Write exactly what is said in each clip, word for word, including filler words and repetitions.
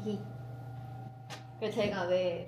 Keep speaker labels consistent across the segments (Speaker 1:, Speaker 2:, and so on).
Speaker 1: 그 제가 왜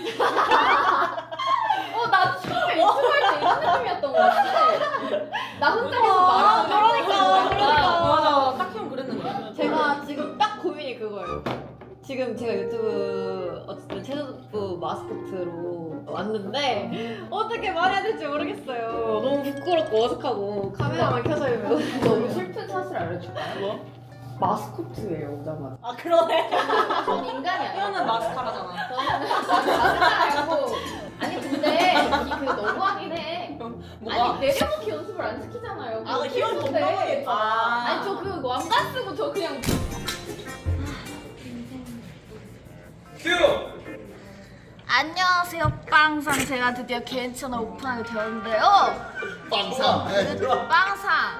Speaker 1: 어, 나 처음에 유튜브 할 때 이런 느낌이었던 것 같아. 나 혼자 계속 말하는
Speaker 2: 그러니까, 그러니까.
Speaker 3: 맞아, 딱 형 그랬는데.
Speaker 1: 제가 지금 딱 고민이 그거예요. 지금 제가 유튜브 어쨌든 채소부 마스코트로 왔는데 어떻게 말해야 될지 모르겠어요. 너무 부끄럽고 어색하고 카메라만 켜져 있는 너무 슬픈 사실 알려줄까요?
Speaker 3: 뭐?
Speaker 1: 마스코트예요 오자마자.
Speaker 2: 아 그러네.
Speaker 1: 전 인간이 아니에요.
Speaker 3: 형은 마스카라잖아.
Speaker 1: 저는 마스카라고. 아니 근데 이 그 너무하긴 해.
Speaker 3: 뭐가?
Speaker 1: 아니 내려놓기 연습을 안 시키잖아요.
Speaker 2: 아
Speaker 1: 그거
Speaker 2: 희원
Speaker 1: 필수인데.
Speaker 2: 건강하겠다.
Speaker 1: 아니 저 그 왕관 쓰고 저 그냥
Speaker 4: 큐!
Speaker 5: 안녕하세요 빵상. 제가 드디어 개인 채널 오픈하게 되었는데요.
Speaker 4: 빵상.
Speaker 5: 빵상.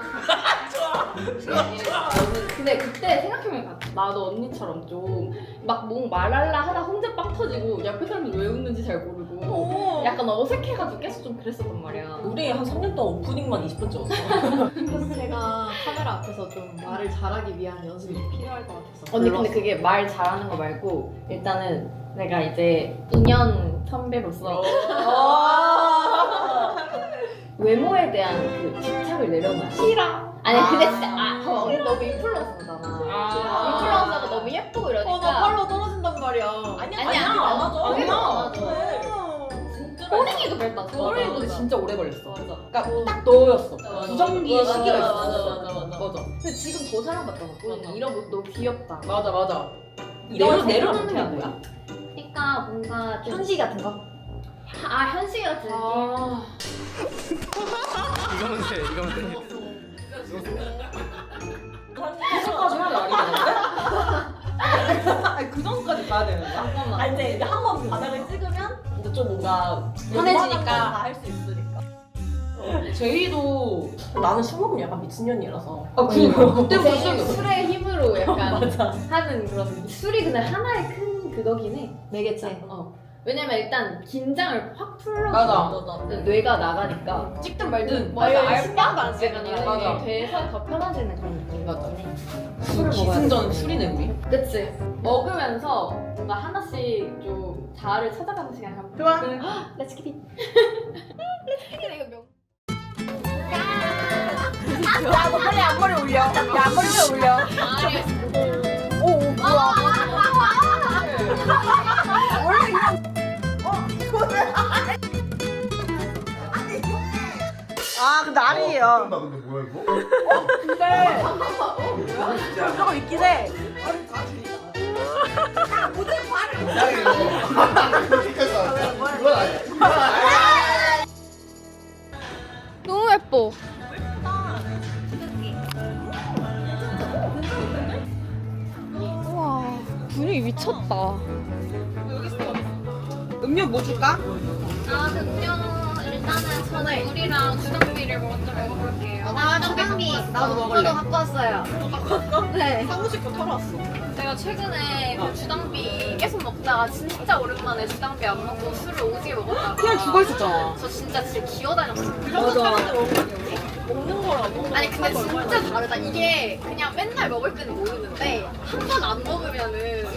Speaker 1: 저는 근데 그때 생각해보니까 나도 언니처럼 좀 막 뭐 말할라 하다 혼자 빵 터지고 옆에 사람들 왜 웃는지 잘 모르고
Speaker 2: 오.
Speaker 1: 약간 어색해가지고 계속 좀 그랬었단 말이야.
Speaker 3: 우리 한 삼 년 동안 오프닝만 이십 분 찍었어.
Speaker 1: 그래서 제가 카메라 앞에서 좀 말을 잘하기 위한 연습이 좀 필요할 것 같아서.
Speaker 6: 언니 근데 그게 말 잘하는 거 말고 일단은 내가 이제 이 년 선배로서 외모에 대한 그 집착을 내려놔.
Speaker 1: 싫어.
Speaker 6: 아니
Speaker 1: 아.
Speaker 6: 근데 진짜 아,
Speaker 1: 저 언니 너무 인플루언서잖아.
Speaker 3: 아.
Speaker 1: 인플루언서가 너무 예쁘고 이러니까.
Speaker 2: 어, 나 팔로 떨어진단 말이야.
Speaker 3: 아니야,
Speaker 1: 아니야,
Speaker 3: 아니야, 안 하죠.
Speaker 1: 아니야.
Speaker 3: 아니야.
Speaker 1: 그래.
Speaker 3: 진짜.
Speaker 1: 호랭이도 그랬다.
Speaker 3: 호랭이도 진짜 오래 걸렸어.
Speaker 1: 맞아.
Speaker 3: 그러니까 딱 너였어.
Speaker 1: 맞아.
Speaker 3: 부정기의
Speaker 1: 맞아,
Speaker 3: 시기가
Speaker 1: 맞아,
Speaker 3: 있었어.
Speaker 1: 맞아, 맞아.
Speaker 3: 맞아.
Speaker 1: 근데 지금 더 사랑받잖아.
Speaker 3: 맞아.
Speaker 1: 이런 모습 너무 귀엽다.
Speaker 3: 맞아, 맞아.
Speaker 1: 이런
Speaker 3: 내려 내려
Speaker 1: 생각하는
Speaker 3: 놓는 게
Speaker 1: 거야?
Speaker 3: 뭐야?
Speaker 1: 그러니까 뭔가 좀
Speaker 6: 현시 같은 거?
Speaker 1: 아 현실 같은 느낌.
Speaker 3: 아.
Speaker 4: 이거면 돼, 이거면 돼.
Speaker 3: 그전까지 해야 말이 되는데? 아니 그 전까지 가야 되는 거야?
Speaker 1: 잠깐만.
Speaker 2: 아 이제 한 번 바닥을 찍으면
Speaker 3: 근데 좀 뭔가
Speaker 2: 편해지니까
Speaker 3: 편해지니까
Speaker 2: 할 수 있으니까.
Speaker 3: 제이도 나는 술 먹으면 약간 미친년이라서
Speaker 1: 아
Speaker 3: 그니까 그때부터
Speaker 1: 되게
Speaker 3: 시작이었어.
Speaker 1: 술의 힘으로 약간
Speaker 3: 맞아.
Speaker 1: 하는 그런 술이 근데 하나의 큰 그거긴 해.
Speaker 6: 내겠지.
Speaker 1: 어. 왜냐면 일단 긴장을 확 풀러.
Speaker 3: 맞아.
Speaker 1: 뇌가 나가니까
Speaker 3: 찍든 말든
Speaker 1: 맞아.
Speaker 3: 맞아.
Speaker 1: 신경도 안 쓰고
Speaker 3: 맞아.
Speaker 1: 돼서 더 편해지는 그런 느낌.
Speaker 3: 맞아.
Speaker 1: 술을 먹어야
Speaker 3: 기승전 술이네 우리.
Speaker 1: 그치. 먹으면서 뭔가 하나씩 좀 자아를 찾아가는 시간이 한
Speaker 2: 좋아.
Speaker 1: 렛츠 키티. 렛츠 키티 이거 명.
Speaker 2: 야, 너 빨리 앞머리 올려. 야, 앞머리 왜 올려? 오, 오, 뭐야? 원래 그냥 어, 이거는 아니. 아, 근데 아니에요.
Speaker 4: 나 근데 뭐야 이거?
Speaker 2: 근데
Speaker 1: 잠깐만. 어 뭐야?
Speaker 2: 그거 있긴 해.
Speaker 4: 이상해 이거. 이건 아니야.
Speaker 1: 너무 예뻐. 우와 분위기 미쳤다.
Speaker 3: 음료 뭐 줄까?
Speaker 5: 아 음료 일단은 저는 물이랑 주정비를 먼저 먹어볼게요.
Speaker 1: 아 주경비.
Speaker 3: 나도 먹을래.
Speaker 1: 저도 갖고 왔어요. 네.
Speaker 3: 사무실 거 털어왔어.
Speaker 5: 제가 최근에 그 주당비 계속 먹다가 진짜 오랜만에 주당비 안 먹고 술을 오지게 먹었다가
Speaker 3: 그냥 죽어 있었잖아.
Speaker 5: 저 진짜 진짜 기어다녔어요.
Speaker 3: 맞아.
Speaker 2: 먹는 거라고.
Speaker 5: 아니 근데 진짜 다르다. 이게 그냥 맨날 먹을 때는 모르는데 한 번 안 먹으면은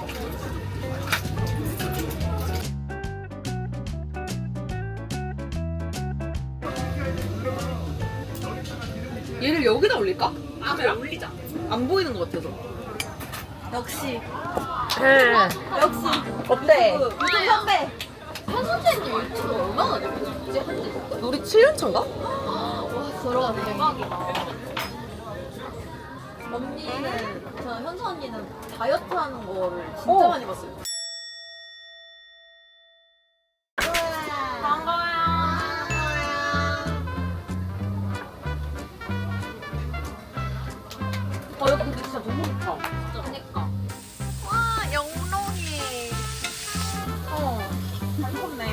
Speaker 3: 얘를 여기다 올릴까?
Speaker 5: 아 그래 올리자.
Speaker 3: 안 보이는 것 같아서.
Speaker 5: 역시
Speaker 2: 역시
Speaker 3: 어때?
Speaker 2: 유튜브 선배.
Speaker 1: 현선재님 유튜브 얼마나 됐지? 한지?
Speaker 3: 우리 칠 년 차인가?
Speaker 1: 와 들어가 대박이다.
Speaker 2: 언니는 저는 현수 언니는 다이어트 하는 거를 진짜
Speaker 3: 어.
Speaker 2: 많이 봤어요.
Speaker 3: 어 여기 근데 진짜 너무 좋다.
Speaker 1: 그러니까.
Speaker 5: 와 영롱이.
Speaker 2: 어. 잘 익었네.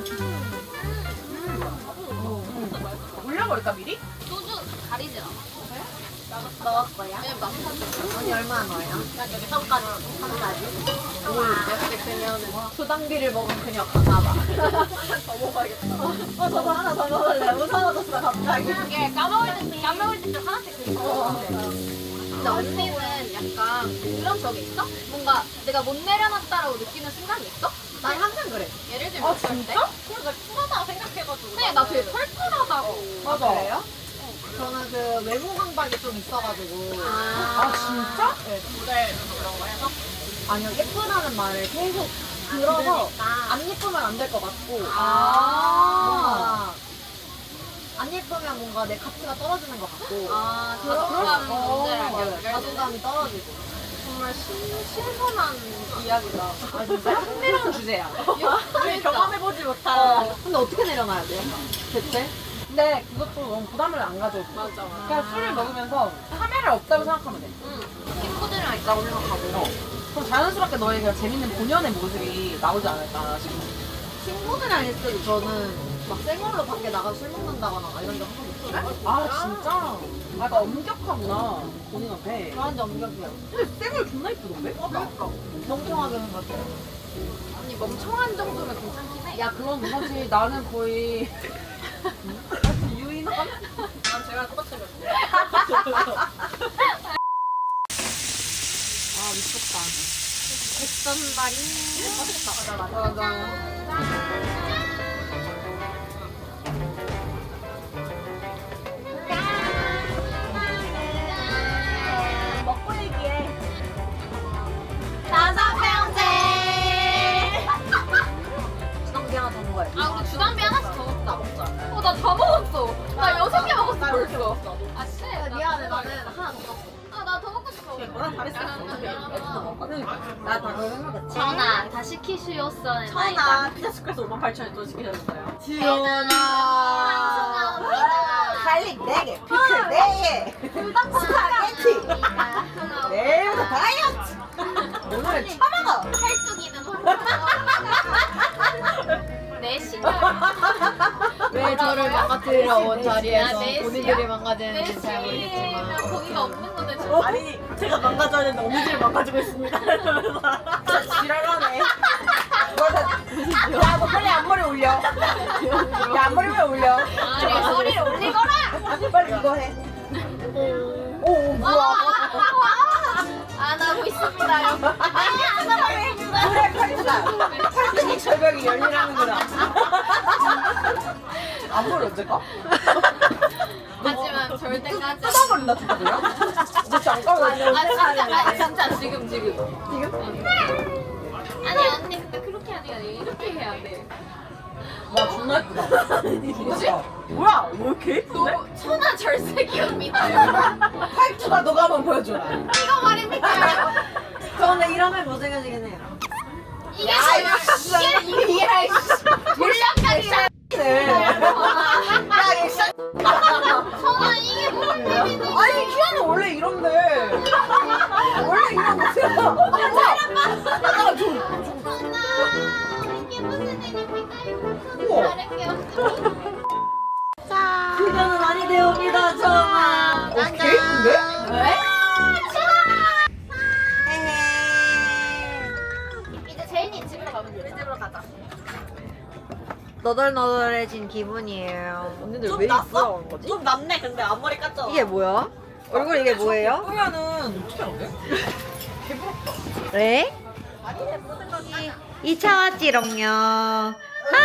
Speaker 2: 올려버릴까 미리?
Speaker 5: 소주 가리지 않아.
Speaker 2: 넣을 거야?
Speaker 5: 왜냐면 남사주.
Speaker 2: 언니 얼마나 넣어요?
Speaker 5: 여기 떡까지 한 가지.
Speaker 2: 이렇게 되면은 수당비를 먹은 그녀 가나봐. 더 먹어야겠다. 어, 저도 하나 더 먹을래. 무서워졌어, 갑자기.
Speaker 5: 이게 까먹을 때 까먹을 때 하나씩 긁고.
Speaker 2: 어.
Speaker 5: 근데 언니는 약간 그런 적이 있어? 뭔가 내가 못 내려놨다라고 느끼는 순간이 있어?
Speaker 1: 난 항상 그래.
Speaker 5: 예를 들면
Speaker 2: 아,
Speaker 5: 어떨 때?
Speaker 2: 진짜?
Speaker 5: 그래서 내가 쿨하다 생각해가지고 근데 나 되게 털털하다고
Speaker 2: 맞아.
Speaker 1: 그래요? 저는 그 외모 강박이 좀 있어가지고.
Speaker 2: 아, 진짜?
Speaker 5: 네, 모델 그런 거 해서?
Speaker 1: 아니요, 예쁘다는 말을 계속 들어서 안 예쁘면 안 될 것 같고.
Speaker 5: 아.
Speaker 1: 뭔가 안 예쁘면 뭔가 내 가치가 떨어지는 것 같고.
Speaker 5: 아,
Speaker 1: 그런-
Speaker 5: 자존감
Speaker 1: 어,
Speaker 5: 문제를
Speaker 1: 맞아요.
Speaker 5: 해결해.
Speaker 1: 자존감이 떨어지고.
Speaker 5: 정말 신, 신선한 이야기다.
Speaker 1: 아, 진짜 흥미로운 주제야.
Speaker 5: 우리
Speaker 2: 경험해보지 못한.
Speaker 1: 어, 근데 어떻게 내려놔야 돼요? 대체?
Speaker 2: 근데 그것도 너무 부담을 안 가져도 돼.
Speaker 5: 맞아, 맞아.
Speaker 2: 그냥 술을 먹으면서 카메라 없다고 생각하면 돼.
Speaker 5: 응. 친구들이랑 있다고 생각하고.
Speaker 2: 그럼 자연스럽게 너의 그냥 재밌는 본연의 모습이 나오지 않을까 싶어.
Speaker 1: 친구들이랑 있을 때도 저는 막 생얼로 밖에 나가서 술 먹는다거나 막 이런 적 한 번도 없어요.
Speaker 2: 아, 진짜? 아, 약간 엄격하구나. 본인한테.
Speaker 1: 저한테 엄격해요.
Speaker 2: 근데 쌩얼 존나 이쁘던데?
Speaker 1: 그러니까. 멍청하게 생각해요.
Speaker 5: 언니 멍청한 정도면 괜찮긴 해.
Speaker 2: 야, 그건 사실 나는 거의 유인함?
Speaker 5: 난 제가 똑같이 생겼어.
Speaker 1: 아, 미쳤다.
Speaker 5: 백선발이. 맛있다. 맞아, 맞아.
Speaker 2: 먹고 얘기해.
Speaker 5: 다섯 병째.
Speaker 1: 주렁기 하나 더 먹어요.
Speaker 5: 아, 우리 주담비 하나씩 더 먹자. 먹자. 어, 나 다 먹었어. 나 여섯 개 먹었어, 벌써. 아, 씨.
Speaker 1: 아, 미안해, 나는 하나 더 먹어.
Speaker 5: 아, 나 더 먹고 싶어.
Speaker 2: 너랑 다르지 않아. 나 다 그걸 생각했지.
Speaker 5: 전화 다 시키시오서는
Speaker 2: 천하 피자 스크래스 오만 팔천 원 또 시키셨어요.
Speaker 1: 지연아.
Speaker 2: 갈릭 네 개, 피클 네 개, 스파게티. 내일부터 다이어트. 오늘은 처먹어.
Speaker 5: 팔뚝이는 내 신경.
Speaker 1: 왜 저를 망가뜨리러 온 자리에서
Speaker 5: 네 시-
Speaker 1: 본인들이
Speaker 5: 내
Speaker 1: 망가지는지 잘
Speaker 5: 신경.
Speaker 1: 모르겠지만.
Speaker 5: 거기가 없는 건데 지금.
Speaker 2: 아니 제가 망가져야 되는데 언니들이 망가지고 있습니다. 진짜 지랄하네. 야너 빨리 앞머리 올려. 야 앞머리 왜 올려?
Speaker 5: 아니, 소리를 올리거라.
Speaker 2: 빨리 이거 해. 오, 오 뭐야?
Speaker 5: 안 하고 있습니다, 여러분. 아니, 안 하고 있습니다.
Speaker 2: 그래 팔뚝아. 팔뚝이 절벽이 열리라는구나. 앞머리 언제 까?
Speaker 5: 하지만 절대까지.
Speaker 2: 뜯어버린다 진짜 그냥? 너 진짜 안 까면
Speaker 5: 아, 진짜, 아, 진짜, 지금, 지금. 지금? 아니, 언니, 근데 그렇게 하는 게 아니라 이렇게 해야 돼.
Speaker 2: 와 존나 예쁘다. 뭐지? 뭐야? 왜 이렇게 예쁜데?
Speaker 5: 너무 천하 절세기입니다.
Speaker 2: 팔뚝아 너가 한번 보여줘라.
Speaker 5: 이거 말입니까?
Speaker 1: 저 근데 이러면 못생겨지긴 해요.
Speaker 5: 이게 뭐야? 이게, 이게, 이게, 물량까지.
Speaker 2: 야, 이
Speaker 5: 천하 이게 뭐야?
Speaker 2: 아니 키아는 원래 이런데. 원래 이런 거야. 잠깐만 좀.
Speaker 5: 천하 이게 무슨 일입니까?
Speaker 2: 우와.
Speaker 5: 잘할게요.
Speaker 1: 그녀는 아니 되옵니다, 정아.
Speaker 2: 어, 개 예쁜데?
Speaker 1: 왜?
Speaker 5: 이제 제인이 집으로 가면 돼. 집으로 가자.
Speaker 1: 너덜너덜해진 기분이에요. 언니들
Speaker 2: 좀
Speaker 1: 왜
Speaker 2: 났어?
Speaker 1: 이쁘다는 거지?
Speaker 2: 좀 낫네 근데 앞머리 깠잖아.
Speaker 1: 이게 뭐야? 얼굴 이게 뭐예요?
Speaker 2: 보면은 어떻게 안 돼?
Speaker 1: 네? 이 차 왔지롱요. 아!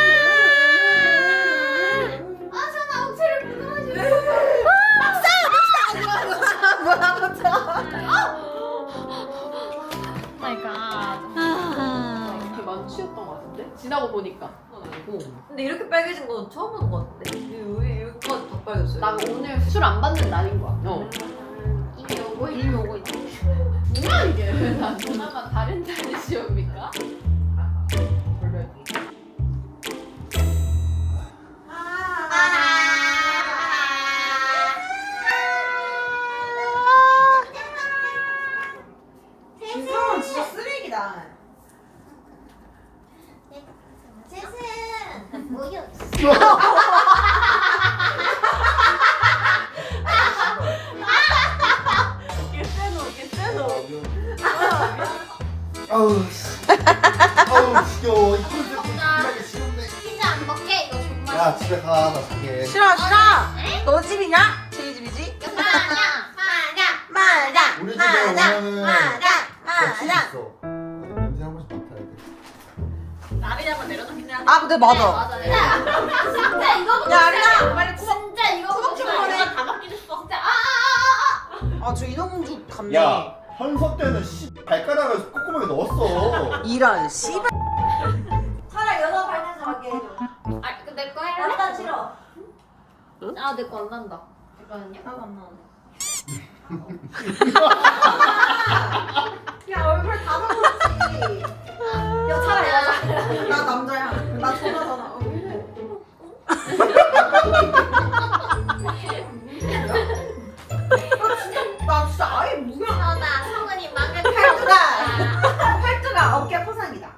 Speaker 5: 아, 천하 억지를 부끄러워지네. 마이 갓.
Speaker 1: 아.
Speaker 2: 되게 많이 취했던 것 같은데? 지나고 보니까.
Speaker 1: 근데 이렇게 빨개진 건 처음 보는 것 같은데? 왜 여기까지 다 빨개졌어요?
Speaker 2: 나 오늘 술 안 받는 날인 거야. 어.
Speaker 5: 이미 오고 이미 오고 있네.
Speaker 2: 뭐야 이게? 나 누나가 다른 다른 시험입니까? 김성은 진짜 쓰레기다.
Speaker 5: 셋은 뭐였어?
Speaker 2: 이게 세노, 이게 세노.
Speaker 4: 아우 씨. 아우 지겨워. 이 꼴들 끝나기 싫은데.
Speaker 5: 피자 안 먹게 이거 정말.
Speaker 4: 야 집에 가. 나 자게.
Speaker 2: 싫어 싫어. 너 집이냐? 제 집이지?
Speaker 5: 마냥 마냥
Speaker 2: 맞아.
Speaker 4: 우리 집에
Speaker 3: 하나,
Speaker 4: 오면은
Speaker 3: 하나,
Speaker 4: 겹칠 수
Speaker 3: 하나.
Speaker 4: 있어. 냄새 한 번씩 맡아야 돼.
Speaker 2: 나리냐면 내려놓긴 해야 돼.
Speaker 3: 아, 근데 맞아.
Speaker 5: 맞아. 진짜 이거
Speaker 3: 야, 아리나, 빨리 쿠
Speaker 5: 진짜 이거
Speaker 3: 쿠벅 좀
Speaker 5: 보고
Speaker 3: 보내.
Speaker 2: 다 바뀌었어.
Speaker 5: 진짜 아아아아
Speaker 3: 아, 저 인어공주 갔네.
Speaker 4: 야, 현석 때는 씨 발가락을 콧구멍에 넣었어.
Speaker 3: 이런 씨발.
Speaker 1: 차라리 여자 발냄새 맡게 해줘.
Speaker 5: 아, 그 내 거 할래?
Speaker 1: 일단 싫어.
Speaker 5: 아, 내 거 안 난다. 잠깐만요.
Speaker 2: 나도 안 나오네.
Speaker 1: 야 얼굴 다 먹었지. 야 차라리 여자.
Speaker 3: 나 남자야.
Speaker 1: 나 전화잖아. 어.
Speaker 3: 나 진짜 아예 무야.
Speaker 5: 전화 성은이 망을
Speaker 1: 팔뚝아. 팔뚝아 어깨 포상이다.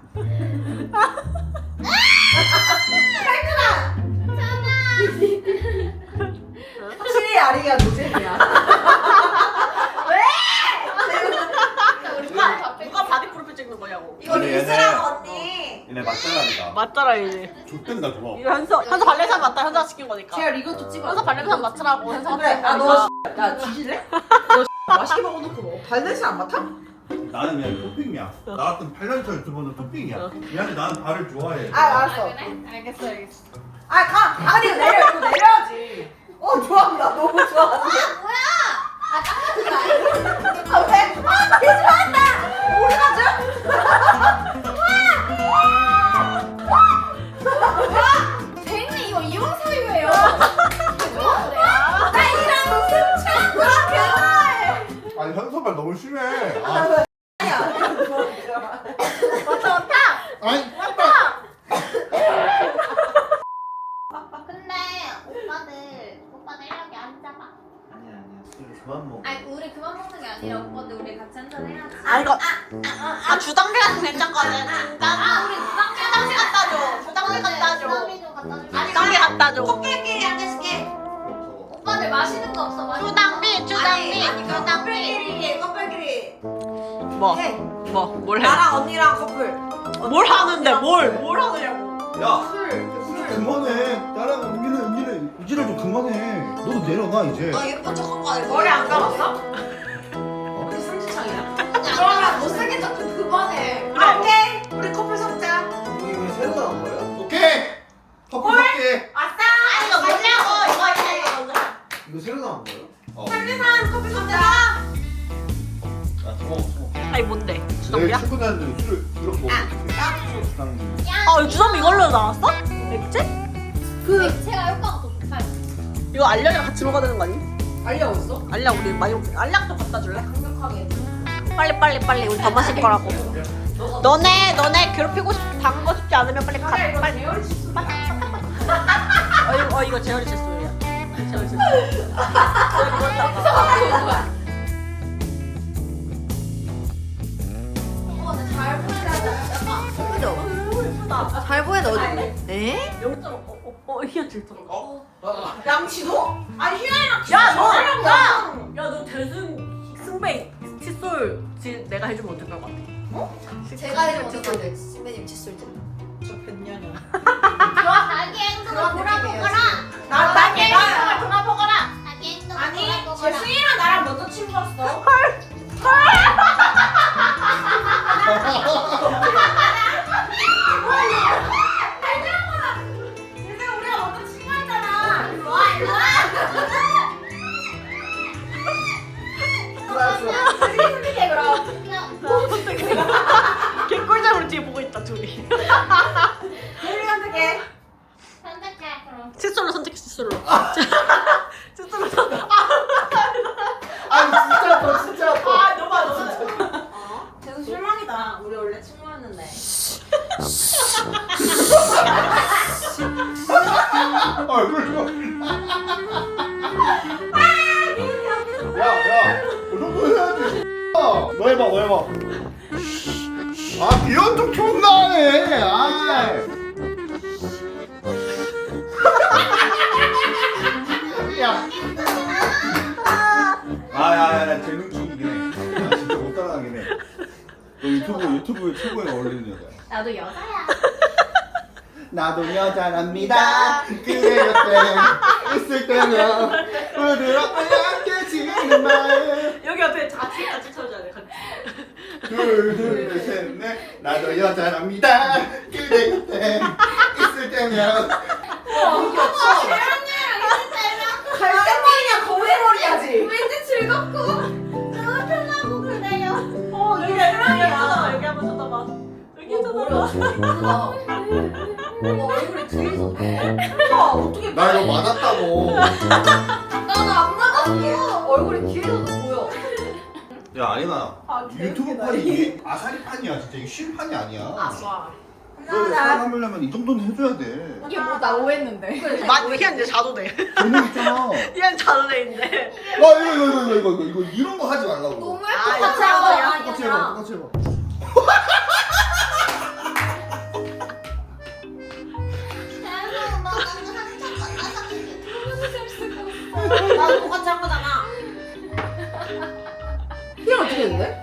Speaker 3: 확실히 아리가 노잼이야.
Speaker 2: 누가 누가 바디 프로필 찍는 거냐고.
Speaker 1: 이거
Speaker 4: 아니,
Speaker 1: 릴스라고 언니.
Speaker 4: 얘네 맞잖아.
Speaker 2: 맞잖아 이제.
Speaker 4: 좆된다 좋아.
Speaker 2: 이거 현서 현서 발레산 맞다. 현서 시킨 거니까.
Speaker 3: 제가 이것도 찍어.
Speaker 2: 현서 발레산 맞추라고 현서
Speaker 3: 그래.
Speaker 2: 시킨
Speaker 3: 아,
Speaker 2: 거니까.
Speaker 3: 너 야, 뒤질래? 너 맛있게 먹어놓고 뭐. 발냄새 안 맡아?
Speaker 4: 나는 그냥 토핑이야. 나 같은 팔 년 차 유튜버는 토핑이야. 미안해, 나는 발을 좋아해.
Speaker 3: 아, 알았어.
Speaker 5: 그래? 알겠어, 알겠어.
Speaker 3: 아, 가. 아니, 내려. 이거 내려야지. 어, 좋아한다. 너무 좋아한다.
Speaker 5: 아, 딱 같은 거 아니야?
Speaker 3: 아, 왜? 아, 개 좋아한다. 우리 가죠?
Speaker 5: 쟤는 이거 이혼 사유예요.
Speaker 4: 아니 현석발 너무 심해. 아, 아니
Speaker 5: 근데 오빠들, 오빠들 이렇게 안 잡아.
Speaker 4: 아니야 아니야 술 그만 먹어.
Speaker 5: 아니, 우리 그만 먹는 게 아니라 오빠들 우리 같이 한잔 해야지.
Speaker 2: 아 이거 아 주당배 같은 괜찮거든.
Speaker 5: 아, 우리 주당배
Speaker 2: 주당배 갖다 줘. 주당배 갖다 줘.
Speaker 5: 주당배 좀 갖다 줘.
Speaker 2: 주당배 갖다 줘.
Speaker 3: 코끼리끼리 앉아줄게.
Speaker 5: 오빠들 마시는 거 없어? 마시는
Speaker 2: 주당비 주당비
Speaker 3: 아니,
Speaker 2: 주당비.
Speaker 3: 커플끼리, 커플끼리.
Speaker 2: 뭐?
Speaker 3: 해.
Speaker 2: 뭐? 뭘 해?
Speaker 3: 나랑 언니랑 커플.
Speaker 2: 뭘 하는데 뭘? 뭘 하느냐고.
Speaker 4: 야
Speaker 3: 술. 술.
Speaker 4: 그만해. 나랑 은기는 은기는 우지를 좀 그만해. 너도 내려놔 이제.
Speaker 3: 아, 예쁜 척한 거 아니고. 머리 안 감았어? 우리 승지창이야.
Speaker 1: 그러면 못생긴 척좀 그만해.
Speaker 3: 아, 오케이. 우리 커플 섞자.
Speaker 4: 여기 왜 새로 나온 거야? 오케이. 커플 할게.
Speaker 3: 아싸!
Speaker 2: 아 이거 뭐냐고 이거 이거 이거.
Speaker 4: 이거 새로 나온 거예요? 어.
Speaker 3: 설계산 커플 섞자.
Speaker 4: 아 저거 저거.
Speaker 2: 아니 뭔데?
Speaker 4: 내일
Speaker 2: 주당비야?
Speaker 4: 출근하는데 술을 이렇게 먹어. 주당.
Speaker 2: 아 주당비 이걸로 나왔어? 맥주?
Speaker 5: 그 액체가 효과가 더 좋다요.
Speaker 2: 이거 알약이랑 같이 먹어야 되는 거 아니?
Speaker 3: 알려 어딨어?
Speaker 2: 알약 우리 많이 먹. 알약 좀 갖다 줄래?
Speaker 3: 강력하게.
Speaker 2: 빨리 빨리 빨리 우리 더 마실 거라고. 너네 너네 괴롭히고 싶 당하고 싶지 않으면 빨리 가. 빨리.
Speaker 3: 재열이 실수.
Speaker 2: 어 이거 어 이거 재현이 실수야. 재현이 실수.
Speaker 1: 잘 보이다. 잘 보이다 어디? 에?
Speaker 2: 영 점 오. 어 이게 칠 점.
Speaker 4: 어?
Speaker 3: 양치도? 아니 희연이랑
Speaker 2: 야, 너!
Speaker 3: 희연이랑
Speaker 2: 야!
Speaker 3: 나랑.
Speaker 2: 야, 너 대승 승배 칫솔 지 내가 해주면 어떨 것 같아?
Speaker 1: 제가 해준 어떡하지? 신배님 칫솔 좀.
Speaker 3: 저 뱃년이야.
Speaker 5: 그럼 자기 행동을 돌아보거라.
Speaker 3: 나
Speaker 2: 나게
Speaker 3: 나게
Speaker 2: 행동을 돌아보거라.
Speaker 5: 자기 행동을
Speaker 3: 아니
Speaker 5: 돌아보거라.
Speaker 3: 재승이랑 나랑 먼저 친구였어. 재승 우리가 먼저 친구였잖아.
Speaker 5: 일로 와, 일로 와.
Speaker 3: 재승이 선택해 그럼.
Speaker 2: 개꿀잠으로 뒤에 보고 있다 둘이.
Speaker 3: 재승이 선택해.
Speaker 5: 선택해, 그럼.
Speaker 2: 칫솔로 선택해 칫솔로. 칫솔로 선택.
Speaker 4: 아니 진짜 아파 진짜 아파.
Speaker 2: 아 너무 너무.
Speaker 3: 재승 실망이다. 우리 원래 친구였는데.
Speaker 4: 얼굴 봐. 야야 그 정도 해야지. 너 해봐 너 해봐. 아 비연 좀 존나 하네. 아. 야. 아야야 재능 충이긴 해. 나 진짜 못 따라가긴 해. 너 유튜브 유튜브에 최고에 어울리는 여자야.
Speaker 5: 나도 여자야.
Speaker 4: 나도 여자랍니다. 그대 곁에 있을 때면 부드럽게 약해지는 마음.
Speaker 2: 여기 옆에 자취 같이
Speaker 4: 둘둘셋넷 나도 여자랍니다. 그대 곁에 있을 때면
Speaker 3: 갈색머리냐 거위머리야지.
Speaker 5: 왠지 즐겁고 너무 편하고 그래요.
Speaker 3: 어 이게 사랑이야. 여기 한번 쳐다봐. 여기 쳐다봐.
Speaker 1: 어, 얼굴이 뒤에서
Speaker 3: 우와 어떻게
Speaker 4: 나 이거 맞았다고.
Speaker 1: 나는 안 맞았어. 얼굴이 뒤에서도 보여.
Speaker 4: 야 아니나
Speaker 3: 아,
Speaker 4: 유튜브
Speaker 3: 개웃기다.
Speaker 4: 판이 이게 아사리판이야 진짜. 이게 쉰 판이 아니야.
Speaker 3: 와.
Speaker 4: 너 사람 하려면 이 정도는 해줘야 돼.
Speaker 5: 이게 뭐 나 오했는데.
Speaker 3: 맞 얘는 이제 자도 돼.
Speaker 4: 재능 있잖아.
Speaker 3: 얘는 자도 돼인데.
Speaker 4: 아 이거 이거 이거 이거 이거 이거 이런 거 하지 말라고.
Speaker 1: 너무
Speaker 3: 아,
Speaker 1: 예뻐.
Speaker 3: 이거 하고
Speaker 4: 똑같이 해봐 똑같이 해봐.
Speaker 3: 나도 똑같이 한 거잖아.
Speaker 1: 피를 어떻게 했는데?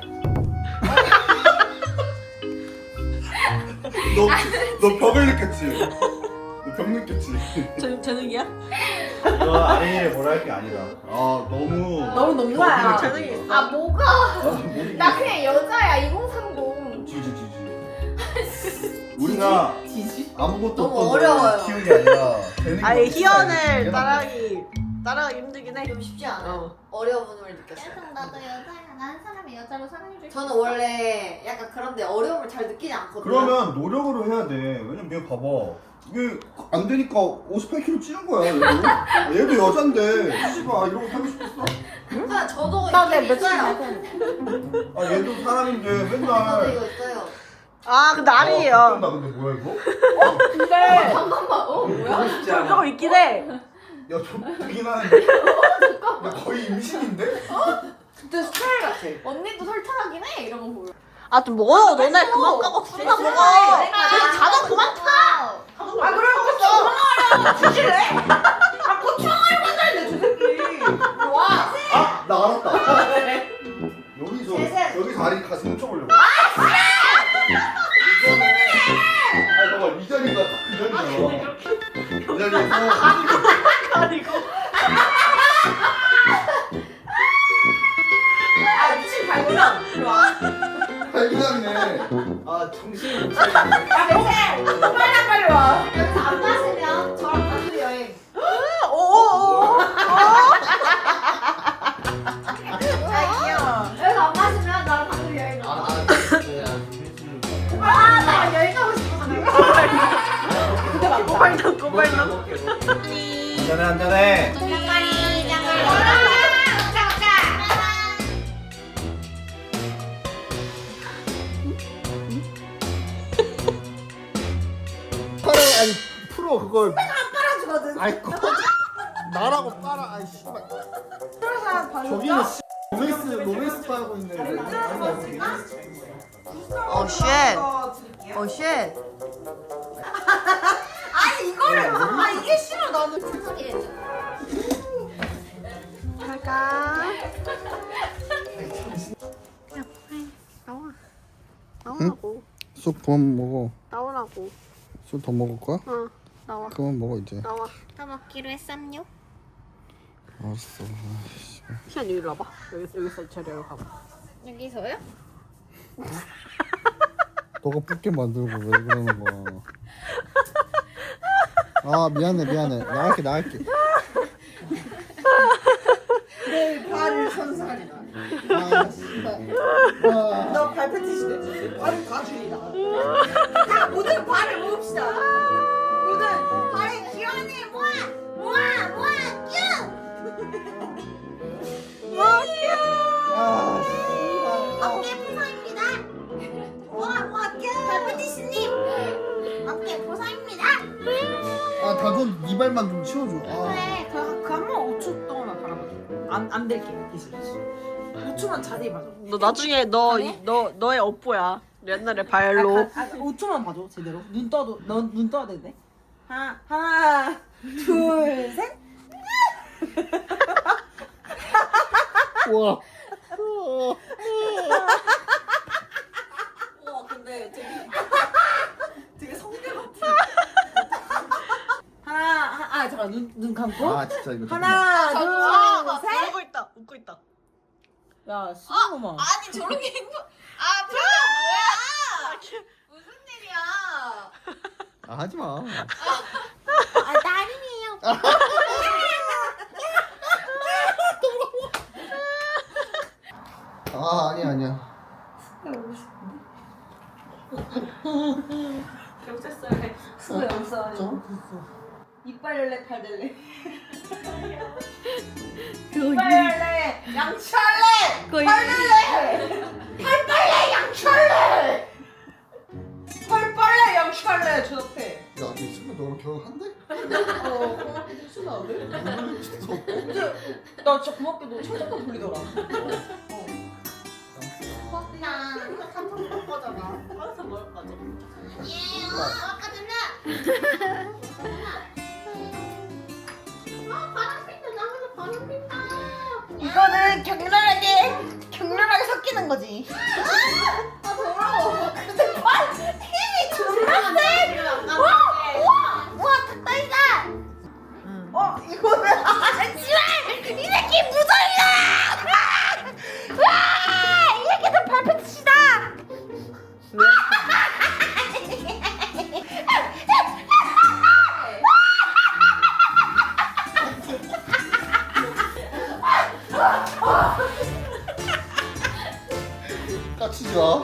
Speaker 4: 너 너 벽을 느꼈지? 너 벽 느꼈지?
Speaker 3: 재 재능이야?
Speaker 4: 너 아린이를 뭐라 할 게 아니다. 아 너무
Speaker 3: 너무 높은 거야.
Speaker 4: 벽을
Speaker 3: 재능이
Speaker 4: 느꼈어.
Speaker 3: 있어.
Speaker 5: 아 뭐가?
Speaker 4: 아, 모르겠어.
Speaker 5: 나 그냥 여자야 이공삼공.
Speaker 4: 지지 지지. 우리가
Speaker 1: 지지?
Speaker 4: 아무것도
Speaker 1: 너무
Speaker 4: 없던
Speaker 1: 어려워요.
Speaker 4: 걸 키운 게 아니라 재능이
Speaker 3: 아니
Speaker 4: 없으니까
Speaker 3: 희연을
Speaker 4: 이게
Speaker 3: 따라하기 따라하기 힘들긴 해.
Speaker 1: 좀 쉽지 않아요.
Speaker 3: 어.
Speaker 1: 어려움을 느꼈어요.
Speaker 5: 나도 여자야. 난 사람이 여자로 사랑해줄.
Speaker 1: 저는 원래 약간 그런데 어려움을 잘 느끼지 않거든요.
Speaker 4: 그러면 노력으로 해야 돼. 왜냐면 얘 봐봐. 이게 안 되니까 오십팔 킬로그램 찌는 거야. 얘도, 얘도 여잔데. 씨발 이런 거 하고 싶었어?
Speaker 1: 아, 저도
Speaker 3: 나내
Speaker 1: 이거
Speaker 3: 며칠
Speaker 1: 있어요.
Speaker 3: 전에.
Speaker 4: 아 얘도 사람인데
Speaker 1: 저도
Speaker 4: 맨날.
Speaker 1: 이거 있어요.
Speaker 3: 아 근데
Speaker 4: 나
Speaker 3: 아니에요.
Speaker 4: 근데 뭐야 이거?
Speaker 3: 근데
Speaker 1: 잠깐만. 어 뭐야?
Speaker 3: 저거 있긴 해.
Speaker 4: 야 좋긴 한데. 야 거의 임신인데?
Speaker 3: 진짜 스타일 같아.
Speaker 5: 언니도 설탕하긴 해. 이런 거 보여.
Speaker 3: 아 좀 먹어. 너네 그만 까고 둘다 먹어. 그냥 자도 그만 타. 아 그래 고추 주실래? 아 고추 하나를 만들래 저 새끼.
Speaker 5: 와.
Speaker 4: 아! 나 알았다. 여기서
Speaker 1: 셋셋.
Speaker 4: 여기서 아린 가슴 훔쳐보려고. 아니 봐봐 이 자리가 딱 그 자리잖아. 이 자리에서
Speaker 3: 아니고. 아 미친 발굴한. 일로 와.
Speaker 4: 발기장이네. 아 정신이 못 차리네.
Speaker 3: 야 백세. 빨리 빨리 와.
Speaker 1: 여기서 안 마시면 저랑 단둘이 여행.
Speaker 3: 오오오.
Speaker 1: 아 귀여워. 여기서 안 마시면 나랑 단둘이 여행.
Speaker 4: 아,
Speaker 1: 아나 여행 가고 싶어서 내가.
Speaker 3: 꼬발놈 꼬발놈.
Speaker 4: 한잔해 한잔해.
Speaker 1: 장가리 장가리.
Speaker 4: 팔을 아니 프로 그걸
Speaker 3: 빨아주거든.
Speaker 4: 아이 꺼. 나라고 빨아. 아이 씨발.
Speaker 3: 그래서 발굴.
Speaker 4: 저기는 씨 로맨스 로맨스 따고 있네.
Speaker 3: 어 쉣. 어 쉣. 아니 이거를 아 이게 싫어 나는. 갈까? 나오라고.
Speaker 4: 쑥 그만 먹어.
Speaker 3: 나오라고.
Speaker 4: 쑥 더 먹을 거야?
Speaker 3: 어 나와
Speaker 4: 그만 먹어 이제.
Speaker 3: 나와.
Speaker 5: 더 먹기로 했삼요.
Speaker 4: 알았어.
Speaker 3: 시안 여기 와봐. 여기 여기서 저리로 가봐.
Speaker 5: 여기서요?
Speaker 4: 너가 붓게 만들고 왜 그러는 거야? 아 미안해 미안해. 나갈게 나갈게.
Speaker 3: 내 발을 선사하리라.
Speaker 4: 아 씨발. 아.
Speaker 3: 너 발 패티시네. 발을 다 줄이다. 자 모두 발을 모읍시다. 모두 발에 기원을 모아 모아 모아 뀨. 모아 뀨.
Speaker 4: 아 씨발.
Speaker 5: 어깨 보상입니다. 모아 모아 뀨. 발패티스님. 어깨 보상입니다.
Speaker 4: 아 다돈 네 발만 좀 치워줘. 아.
Speaker 5: 그래.
Speaker 3: 그한번 오 초 동안만 바라봐줘. 안안 될게. 기술 기술. 오 초만 자세히 봐줘. 너 나중에 너 너 너의 업보야. 옛날에 발로. 아, 아, 오 초만 봐줘 제대로. 눈 떠도 넌눈 떠야 되네. 하나 하나 둘 셋.
Speaker 4: 우와.
Speaker 3: 와 근데 되게 되게 성대 같아. 하나 하, 아 잠깐 눈 눈 감고.
Speaker 4: 아 진짜 이거.
Speaker 3: 하나
Speaker 5: 잠깐만.
Speaker 3: 둘 셋. 웃고 있다 웃고 있다. 야 신놈아.
Speaker 5: 아니 저렇게 행동. 아
Speaker 4: 아, 하지 마.
Speaker 2: 아 나림이에요.
Speaker 4: 아, 아니야, 아니야.
Speaker 3: 경찰서에 수도 없어. 이빨 열래 팔 될래. 이빨 열래 양치할래.
Speaker 1: 거의
Speaker 3: 팔 될래. 팔 빨래 양치할래. 팔 빨래 양치할래. 저 옆에.
Speaker 4: 야, 너 있으면 너랑 결혼한대?
Speaker 3: 어, 수도 안 돼? 근데 나 진짜 고맙게도 철저하게 돌리더라.
Speaker 5: 나 삼성 바꿔잖아.
Speaker 3: 항상 먹을 거지.
Speaker 5: 예, 아까 전에. 아 바람 핀다. 나무에서 바람 핀다.
Speaker 3: 이거는 격렬하게 격렬하게 섞이는 거지.
Speaker 5: 아 더러워.
Speaker 3: 근데 팔 힘이 존나 세. 와, 와, 와, 닭다리다. 어, 이거는 아, 씨발, 이 새끼 무정이다. 와, 이 새끼들 발패치다.
Speaker 4: 까치지 마.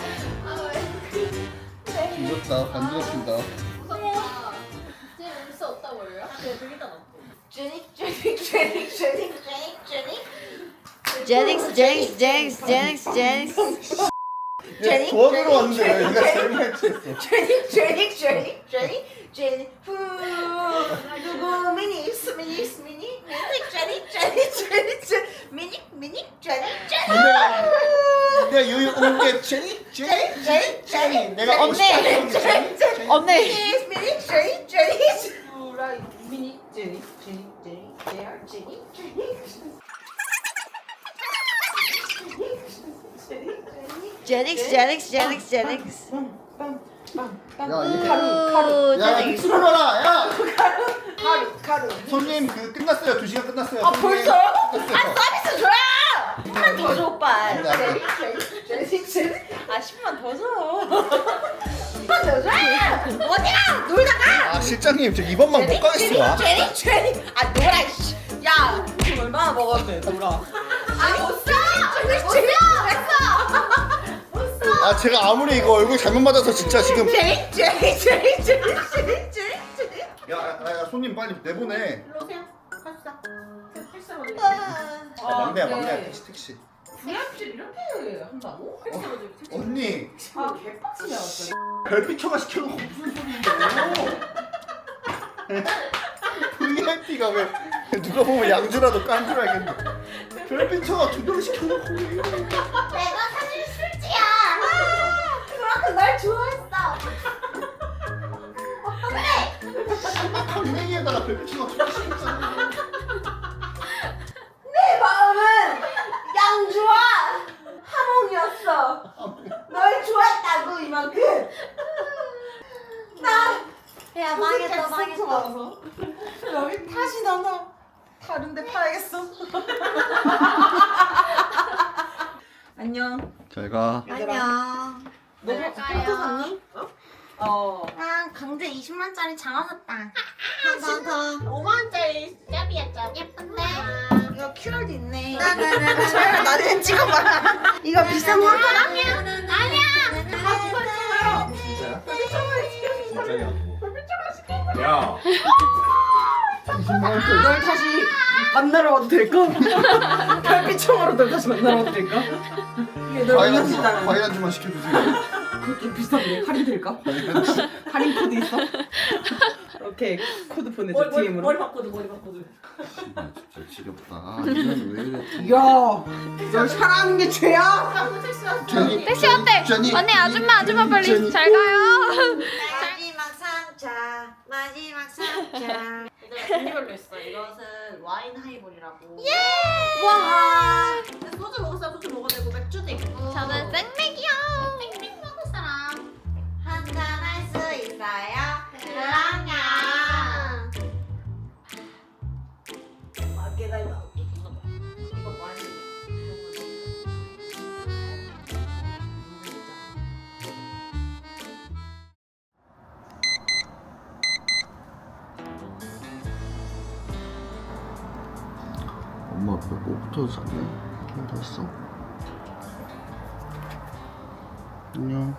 Speaker 4: 뒤졌다. 간지럽힌다.
Speaker 5: 무섭다. 쟤 울수 없다고 그래요?
Speaker 3: 쉐닉, 쉐닉, 쉐닉, 쉐닉, 쉐닉, 쉐닉.
Speaker 1: 제닉스 제닉스 제닉스 제닉스 제닉스
Speaker 3: 제닉,
Speaker 4: 도와주러 왔는데 왜
Speaker 3: 제닉,
Speaker 4: 내가 제일 많이 취했어.
Speaker 3: 쉐닉, 쉐닉, 쉐닉, 쉐닉, 쉐닉. 후, 누구 미닉스, 미닉스, 미닉, 미닉, 쉐닉, 쉐닉, 쉐닉, 쉐닉, 미닉, 미닉, 쉐닉, 쉐닉.
Speaker 4: 내가 유유 온게 제니 제니
Speaker 3: 쉐닉,
Speaker 4: 제니 내가 하고 싶다
Speaker 3: 쉐닉, 쉐닉, 쉐닉.
Speaker 1: 언니
Speaker 3: 미닉, 미닉, 쉐닉, 쉐닉. 후라이, 미닉, 쉐닉, 쉐닉, 쉐닉, 제알, 쉐닉, 쉐닉.
Speaker 1: 제닉스 제닉스 제닉스 제닉스
Speaker 4: 야, 얘
Speaker 3: 가루, 가루,
Speaker 4: 야,
Speaker 1: 제닉스
Speaker 4: 들어봐라. 야,
Speaker 3: 가루, 가루.
Speaker 4: 손님 그 끝났어요. 두 시간 끝났어요.
Speaker 3: 아,
Speaker 4: 손님.
Speaker 3: 벌써요? 아,
Speaker 4: 끝났어요.
Speaker 3: 서비스 줘야! 십만 더 줘, 오빠.
Speaker 4: 안 돼, 안 돼.
Speaker 3: 제니, 제니. 아, 십만 더 줘. 십만 더 줘! 어디가? 놀다가!
Speaker 4: 아, 실장님 저 이번만 못 가겠어.
Speaker 3: 제니, 제니. 아, 놀아, 씨. 야, 돈 얼마나 먹었는데, 놀아.
Speaker 5: 아 못 써.
Speaker 3: 제니, 제니.
Speaker 4: 아, 제가 아무리 이거 얼굴 잘못 맞아서 진짜 지금.
Speaker 3: 제니, 제니, 제니, 제니, 제니, 제니, 제니.
Speaker 4: 야, 야, 야, 손님 빨리 내보내.
Speaker 5: 일로 오세요. 갑시다. 택시로 드릴게요.
Speaker 3: 아,
Speaker 4: 막내야,
Speaker 3: 네.
Speaker 4: 막내야. 택시, 택시.
Speaker 3: 부잣집 이렇게 한다고?
Speaker 4: 언니,
Speaker 3: 아, 개빡치네, 완전.
Speaker 4: 별빛처가 시켜놓고 무슨 소리인데? 브이아이피가 왜 누가 보면 양주라도 깐 줄 알겠네. 별빛처가 두 병 시켜놓고 왜 이래?
Speaker 5: 내가 사실 술지야.
Speaker 3: 그만큼 날 좋아했어.
Speaker 4: 강냉이에다가 별빛처가 두 병 시켰잖아.
Speaker 3: 내 마음은 양주와 하몽이었어. 널 좋아했다고 이만큼. 나
Speaker 5: 야 망했다 망했다.
Speaker 3: 망했어. 여기 다시 나나 다른데 파야겠어. 안녕.
Speaker 4: 잘 가.
Speaker 1: 안녕
Speaker 3: 너
Speaker 5: 잘가요.
Speaker 3: 컴퓨터 샀니? 어.
Speaker 5: 아 강제 이십만짜리 장화 샀다.
Speaker 1: 한번더
Speaker 5: 오만원짜리 짭이야 짭. 예쁜데?
Speaker 3: 이거 큐알도 있네.
Speaker 1: 나나나나
Speaker 3: 잘 나중에 찍어봐. 이거 비싼 거 하나?
Speaker 5: 아니야. 아니야.
Speaker 4: 진짜야?
Speaker 7: 진짜냐고. 야,
Speaker 3: 널 다시 만나러 와도 될까? 별빛총으로 널 다시 만나러 와도 될까? 이게 널
Speaker 4: 과일 한 주만,
Speaker 3: 만나주잖아.
Speaker 4: 과일 한 주만 시켜주세요.
Speaker 3: 그거 좀 비싼데 할인 될까? 할인 코드 있어? 오케이 코드 보내줘 디엠으로. 머리 바꿔줘 머리 바꿔줘.
Speaker 4: 진짜 지겹다. 아, 이건 왜 이래?
Speaker 3: 야, 널 사랑하는 게 죄야?
Speaker 4: 제니,
Speaker 5: 택시 왔대.
Speaker 4: 제니,
Speaker 5: 언니 아줌마 아줌마 빨리
Speaker 4: 제니.
Speaker 5: 잘 가요.
Speaker 1: 마지막 삼차 마지막 삼차
Speaker 6: 종류별로 있어. 이것은 와인 하이볼이라고.
Speaker 1: 와
Speaker 6: 소주 먹을 사람 소주 먹어도 되고 맥주도 있고.
Speaker 5: 저는 생맥이요. 생맥 먹을 사람.
Speaker 1: 한잔 할 수 있어요?
Speaker 5: 그럼요.
Speaker 6: 아, 계단이 나올게. 이거 와인.
Speaker 4: 너 뭐부터 잤네? 잘 잤어? 안녕.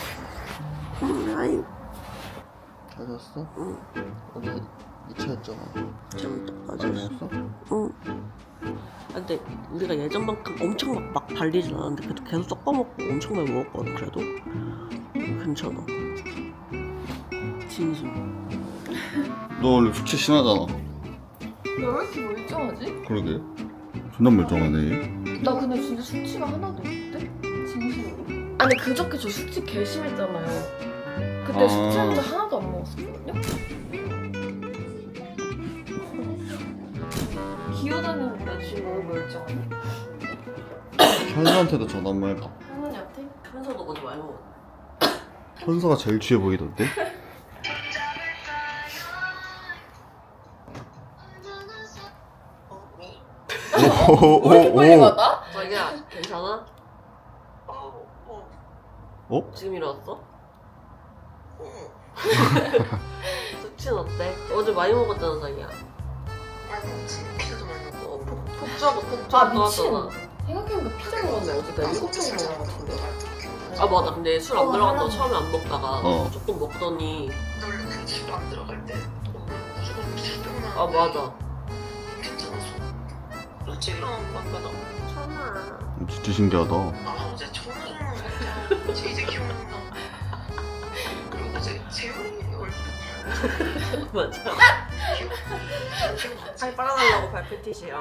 Speaker 3: 아이
Speaker 4: 잘 잤어?
Speaker 3: 응.
Speaker 4: 어제 이 차였잖아.
Speaker 3: 좀
Speaker 4: 아니었어?
Speaker 3: 응. 아, 근데 우리가 예전만큼 엄청 막, 막 발리진 않았는데 그래도 계속 섞어먹고 엄청 많이 먹었거든. 그래도 괜찮아. 진심.
Speaker 4: 너 원래 숙취 심하잖아.
Speaker 5: 너 왜 이렇게 멀쩡하지?
Speaker 4: 그러게. 존나 멀쩡하네.
Speaker 5: 나 근데 진짜 숙취가 하나도 없는데? 진심으로?
Speaker 6: 아니 그저께 저 숙취 개 심했잖아요. 그때
Speaker 4: 아.
Speaker 6: 숙취 한자 하나도 안 먹었거든요. 기어다니는데 지금 너무 멀쩡하네.
Speaker 4: 현서한테도 전화 한번 해봐.
Speaker 6: 할머니한테?
Speaker 3: 현서도 어제 많이 먹었어.
Speaker 4: 현서가 제일 취해 보이던데?
Speaker 6: 왜 이렇게 빨리 가다?
Speaker 3: 자기야 괜찮아?
Speaker 4: 어?
Speaker 3: 지금 일어났어? 숙취는 어때? 어제 많이 먹었잖아 자기야. 어, 폭- 폭주하고 폭주하고
Speaker 6: 아 미친.
Speaker 3: 하잖아.
Speaker 6: 생각해보니까 피자 먹었는데 어제 나 일곱 병 먹은 것 같은데.
Speaker 3: 아 맞아. 근데 술 안
Speaker 6: 어,
Speaker 3: 들어간다고
Speaker 6: 하나.
Speaker 3: 처음에 안 먹다가
Speaker 4: 어.
Speaker 3: 조금 먹더니
Speaker 8: 원래 그 집 안 들어갈 때 무조건 술병만
Speaker 3: 아 맞아.
Speaker 8: 괜찮았어. 며칠이랑 만나다.
Speaker 3: 천아.
Speaker 4: 진짜 신기하다.
Speaker 8: 아 어제 전화는 진짜 제 이제 기억난다. 그리고 어제 재훈이 얼굴
Speaker 3: 맞아.
Speaker 8: 기억 기억
Speaker 3: 살 빨아달라고 발표티시야.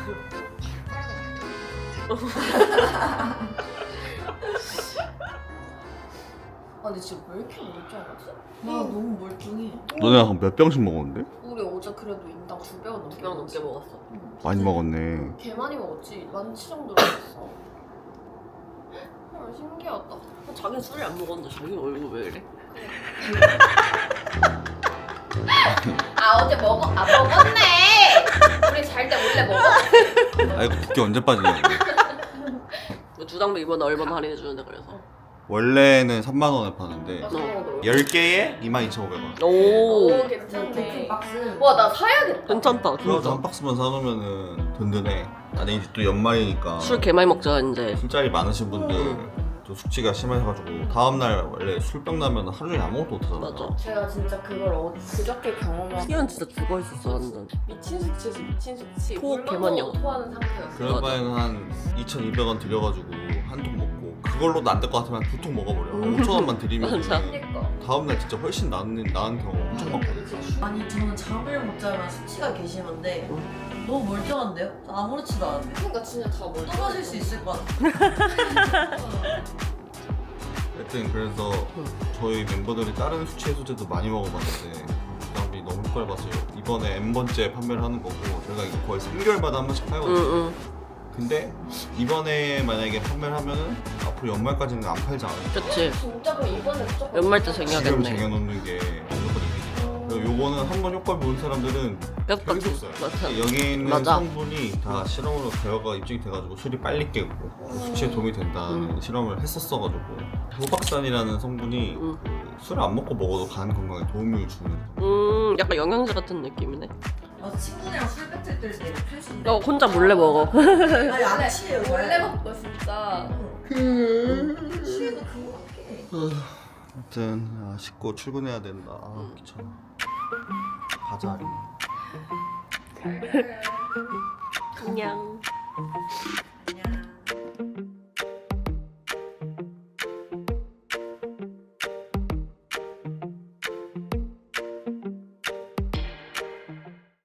Speaker 6: 아 근데 진짜 왜 이렇게 멀쩡하지? 나 너무 멀쩡해.
Speaker 4: 너네 한 몇 병씩 먹었는데?
Speaker 6: 우리 어제 그래도 인당 두 병은 넘게
Speaker 3: 두병 넘게
Speaker 6: 먹었어.
Speaker 3: 먹었어.
Speaker 6: 응.
Speaker 4: 많이 먹었네.
Speaker 6: 개 많이 먹었지. 만치 정도 먹었어. 헐 신기하다.
Speaker 3: 자기는 술을 안 먹었는데 자기 얼굴 왜 이래?
Speaker 5: 아 어제 먹어? 아 먹었네. 우리 잘 때 몰래 먹었어.
Speaker 4: 아 이거 붓기 언제 빠지냐.
Speaker 3: 주당도 이번에 얼마나 할인해주는데 그래서.
Speaker 4: 원래는 삼만 원에 파는데
Speaker 6: 나 저거 넣어.
Speaker 4: 열 개에 이만 이천오백 원.
Speaker 3: 오.
Speaker 6: 오 괜찮네. 박스.
Speaker 5: 와 나 사야겠다.
Speaker 3: 괜찮다.
Speaker 4: 그래서
Speaker 3: 진짜.
Speaker 4: 한 박스만 사놓으면은 든든해. 아니 이제 또 연말이니까
Speaker 3: 술 개 많이 먹자 이제.
Speaker 4: 술자리 많으신 분들 또 숙취가 심해가지고 다음날 원래 술병 나면 하루 종일 아무것도 못하잖아.
Speaker 3: 맞아.
Speaker 6: 제가 진짜 그걸 어, 그저께 경험한
Speaker 3: 희연 진짜 죽어 있었어 완전.
Speaker 6: 미친 수치지 미친 수치.
Speaker 3: 토 개만
Speaker 6: 물론
Speaker 3: 영.
Speaker 6: 토하는 상태였어.
Speaker 4: 그럴
Speaker 3: 맞아.
Speaker 4: 바에는 한 이천이백 원 들여가지고 한 통 먹고 그걸로도 안 될 것 같으면 두 통 먹어버려. 한 오천 원만 들이면
Speaker 3: 맞아.
Speaker 6: 그러니까.
Speaker 4: 다음날 진짜 훨씬 나은, 나은 경우 엄청 많거든.
Speaker 9: 아니 저는 잠을 못 자면 수치가 개심한데 너무 멀쩡한데요? 저 아무렇지도 않은데
Speaker 6: 그러니까 진짜 다 멀쩡해.
Speaker 9: 떨어질 수 있을 것 같아.
Speaker 4: 하여튼 그래서 저희 멤버들이 다른 수치 해소제도 많이 먹어봤는데 주당비 너무 효과를 봤어요. 이번에 N번째 판매를 하는 거고 저희가 이거 거의 삼 개월마다 한 번씩 팔거든요.
Speaker 3: 응응.
Speaker 4: 근데 이번에 만약에 판매를 하면은 앞으로 연말까지는 안 팔지 않을까.
Speaker 3: 그치.
Speaker 6: 진짜 그럼 이번에 무조건
Speaker 3: 연말 때
Speaker 4: 지금
Speaker 3: 쟁여야겠네.
Speaker 4: 쟁여놓는 게 무조건 이득이다. 그리고 요거는 한 번 효과를 본 사람들은
Speaker 3: 계속
Speaker 4: 계속
Speaker 3: 같이-
Speaker 4: 써요.
Speaker 3: 맞아.
Speaker 4: 여기 있는
Speaker 3: 맞아.
Speaker 4: 성분이 다 실험으로 대화가 입증이 돼가지고 술이 빨리 깨고 숙취에 도움이 된다는
Speaker 3: 음.
Speaker 4: 실험을 했었어가지고 호박산이라는 성분이
Speaker 3: 음.
Speaker 4: 그 술을 안 먹고 먹어도 간 건강에 도움을 주는
Speaker 3: 음 약간 영양제 같은 느낌이네.
Speaker 9: 아, 친구들이랑 술 배틀 뜰때 이렇게 할 수 있는데
Speaker 3: 어 혼자 몰래 먹어.
Speaker 9: 아니 안 취해요 잘.
Speaker 6: 원래 먹고 진짜.
Speaker 9: 취해도 그거 같게
Speaker 4: 아무튼 아, 씻고 출근해야 된다. 아 귀찮아. 가자.
Speaker 3: 안녕.